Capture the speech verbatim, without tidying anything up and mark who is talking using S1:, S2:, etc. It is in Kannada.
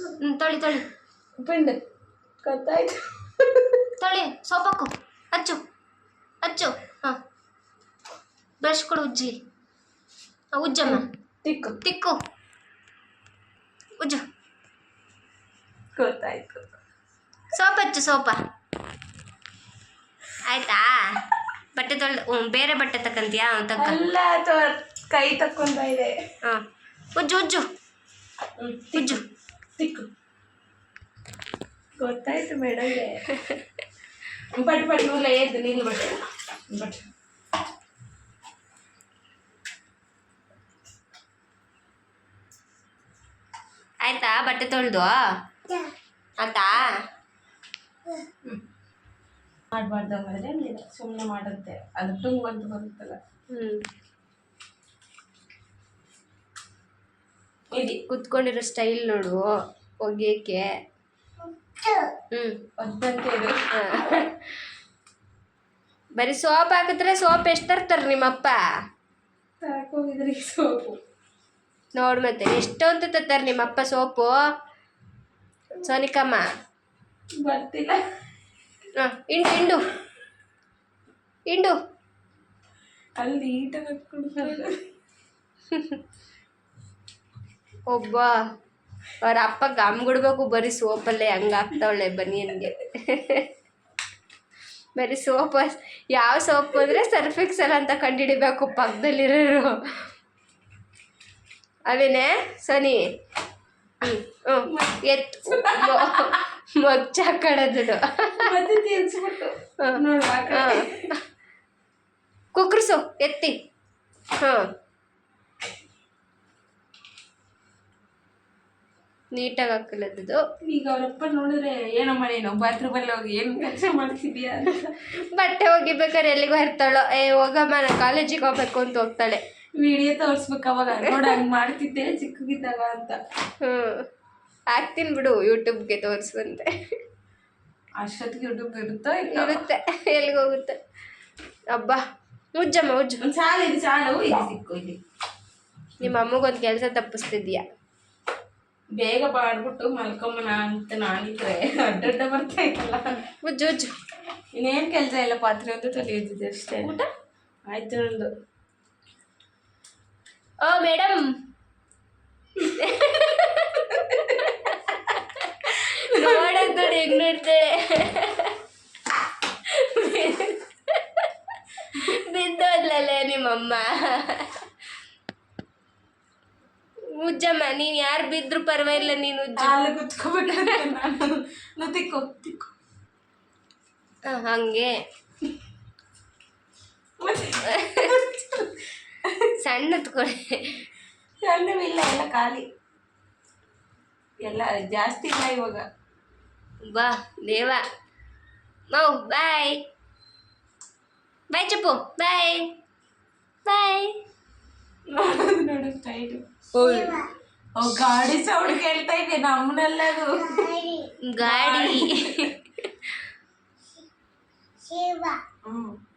S1: ಹ್ಞೂ ತೊಳಿ ತೊಳಿ
S2: ಪಿಂಡ್ ಗೊತ್ತಾಯ್ತು.
S1: ತೊಳಿ ಸೋಪಾಕು ಹಚ್ಚು ಹಚ್ಚು. ಹಾಂ ಬ್ರಷ್ ಕೊಡು ಉಜ್ಜಿ. ಉಜ್ಜಮ್ಮ
S2: ತಿಕ್ಕು
S1: ತಿಕ್ಕು ಉಜ್ಜು.
S2: ಗೊತ್ತಾಯ್ತು.
S1: ಸೋಪ್ ಹಚ್ಚು ಸೋಪ ಆಯ್ತಾ. ಬಟ್ಟೆ ತೊಳೆದು ಹ್ಞೂ ಬೇರೆ ಬಟ್ಟೆ ತಕ್ಕಂತೀಯಾ ತಕ್ಕ.
S2: ಅಲ್ಲ ಕೈ ತಕ್ಕೊಂತ ಇದೆ.
S1: ಹಾಂ ಉಜ್ಜು ಉಜ್ಜು ಉಜ್ಜು
S2: ತಿಕ್ಕು. ಗೊತ್ತಾಯ್ತು ಮೇಡಮ್ಗೆ. ಬಟ್ ಬಟ್ ನೂಲ ಎದ್ದು ನಿಲ್ಲು ಬಟ್ಟೆ ಬಟ್
S1: ಆಯ್ತಾ ಬಟ್ಟೆ ತೊಳೆದು ಆಯ್ತಾ.
S2: ಮಾಡಬಾರ್ದು ಹಂಗಾದ್ರೆ ಸುಮ್ಮನೆ ಮಾಡುತ್ತೆ ಅದು ಟುಂಗ್ ಅಂತ ಬರುತ್ತಲ್ಲ.
S1: ಹ್ಞೂ
S2: ಇದು
S1: ಕುತ್ಕೊಂಡಿರೋ ಸ್ಟೈಲ್ ನೋಡು ಒಗೆಯಕ್ಕೆ. ಹ್ಞೂ
S2: ಅದಂತೇಳಿ
S1: ಬರೀ ಸೋಪ್ ಹಾಕಿದ್ರೆ ಸೋಪ್ ಎಷ್ಟು ತರ್ತಾರೆ ನಿಮ್ಮಪ್ಪ?
S2: ತರಕೋಗಿದ್ರಿ ಸೋಪು
S1: ನೋಡು ಮತ್ತೆ ಎಷ್ಟು ಅಂತ ತರ್ತಾರೆ ನಿಮ್ಮಪ್ಪ ಸೋಪು ಸೋನಿಕಮ್ಮ.
S2: ಬರ್ತಿಲ್ಲ.
S1: ಹಾಂ ಇಂಡು ಇಂಡು ಇಂಡು
S2: ಅಲ್ಲಿ ನೀಟಾಗಿ ಹಾಕ್ಕೊಂಡು
S1: ಒಬ್ಬ ಅವ್ರ ಅಪ್ಪ ಗಮ್ಗಿಡ್ಬೇಕು ಬರೀ ಸೋಪಲ್ಲೇ ಹಂಗೆ ಹಾಕ್ತಾವಳೆ ಬನಿಯನ್ಗೆ. ಬರೀ ಸೋಪ್ ಯಾವ ಸೋಪ್ ಅಂದರೆ ಸರ್ಫ್ ಎಕ್ಸೆಲ್ ಅಂತ ಕಂಡುಹಿಡಿಬೇಕು ಪಕ್ಕದಲ್ಲಿರೋರು. ಅವೇನೇ ಸೋನಿ? ಹ್ಞೂ ಹ್ಞೂ ಎತ್ತು ಮೊಚ್ಚ ಕಡದು
S2: ಮತ್ತೆ ತೀರ್ಸ್ಬಿಟ್ಟು ನೋಡು
S1: ಹಾಂ ಕುಕ್ರಸು ಎತ್ತಿ. ಹಾಂ ನೀಟಾಗಿ ಹಾಕಲದ್ದು.
S2: ಈಗ ಅವರಪ್ಪ ನೋಡಿದ್ರೆ ಏನಮ್ಮ ನೀನು ಬಾತ್ರೂಮಲ್ಲಿ ಹೋಗಿ ಏನು ಕೆಲಸ ಮಾಡ್ತಿದ್ಯಾ ಅಂತ.
S1: ಬಟ್ಟೆ ಒಗಿಬೇಕಾದ್ರೆ ಎಲ್ಲಿಗೂ ಇರ್ತಾಳೋ ಏ ಹೋಗಮ್ಮ ನಾನು ಕಾಲೇಜಿಗೆ ಹೋಗ್ಬೇಕು ಅಂತ ಹೋಗ್ತಾಳೆ.
S2: ವಿಡಿಯೋ ತೋರಿಸ್ಬೇಕು ಅವಾಗ ನೋಡು ಹಂಗೆ ಮಾಡ್ತಿದ್ದೆ ಚಿಕ್ಕಗಿದ್ದಾಗ ಅಂತ.
S1: ಹ್ಞೂ ಹಾಕ್ತೀನಿ ಬಿಡು ಯೂಟ್ಯೂಬ್ಗೆ ತೋರಿಸುವಂತೆ.
S2: ಅಷ್ಟೊತ್ತಿಗೆ ಯೂಟ್ಯೂಬ್ ಇರುತ್ತೋ
S1: ಇರುತ್ತೆ ಎಲ್ಲಿಗೆ ಹೋಗುತ್ತೆ. ಅಬ್ಬಾ ಉಜ್ಜಮ್ಮ ಉಜ್ಜು.
S2: ಒಂದು ಸಾಲು ಇದು ಸಾಲು ಇದು ಸಿಕ್ಕು ಇಲ್ಲಿ.
S1: ನಿಮ್ಮ ಅಮ್ಮಗೊಂದು ಕೆಲಸ ತಪ್ಪಿಸ್ತಿದ್ಯಾ.
S2: ಬೇಗ ಬಾಡ್ಬಿಟ್ಟು ಮಲ್ಕೊಂಬನ ಅಂತ ನಾನಿದ್ರೆ ಅಡ್ಡಡ್ಡ ಬರ್ತಾ ಇತ್ತಲ್ಲ.
S1: ಉಜ್ಜು ಉಜ್ಜು.
S2: ಇನ್ನೇನು ಕೆಲಸ ಇಲ್ಲ, ಪಾತ್ರೆ ಒಂದು ತೊಳೆಯೋದಿದೆ ಅಷ್ಟೇ.
S1: ಊಟ
S2: ಆಯ್ತು ನಂದು.
S1: ಓ ಮೇಡಮ್ ನೋಡೋದು ನೋಡಿ ಹೆಂಗ್ ನೋಡ್ತಾಳೆ. ಬಿದ್ದೋದ್ಲಲ್ಲೇ ನಿಮ್ಮಮ್ಮ. ಉಜ್ಜಮ್ಮ ನೀನು ಯಾರು ಬಿದ್ರು ಪರವಾಗಿಲ್ಲ ನೀನು ಉಜ್ಜು.
S2: ಅಲ್ಲಿ ಕುತ್ಕೋಬೇಕು ನಾನು ತಿಕ್ಕು ತಿಕ್ಕು.
S1: ಹಾಂ ಹಾಗೆ ಸಣ್ಣದು ಕೊಡಿ.
S2: ಸಣ್ಣವಿಲ್ಲ ಎಲ್ಲ ಖಾಲಿ ಎಲ್ಲ ಜಾಸ್ತಿ ಇಲ್ಲ ಇವಾಗ.
S1: ಬಾ ದೇವ ಮೌ ಬಾಯ್ ಬಾಯ್ ಚಪ್ಪು ಬಾಯ್ ಬಾಯ್.
S2: ನೋಡೋದು ನೋಡು ಸ್ಟೈಲು. ಓ ಗಾಡಿ ಸೌಂಡ್ ಕೇಳ್ತಾ ಇದೆ ನಮ್ಮನೆಲ್ಲ. ಅದು
S1: ಗಾಡಿ
S2: ಹ್ಞೂ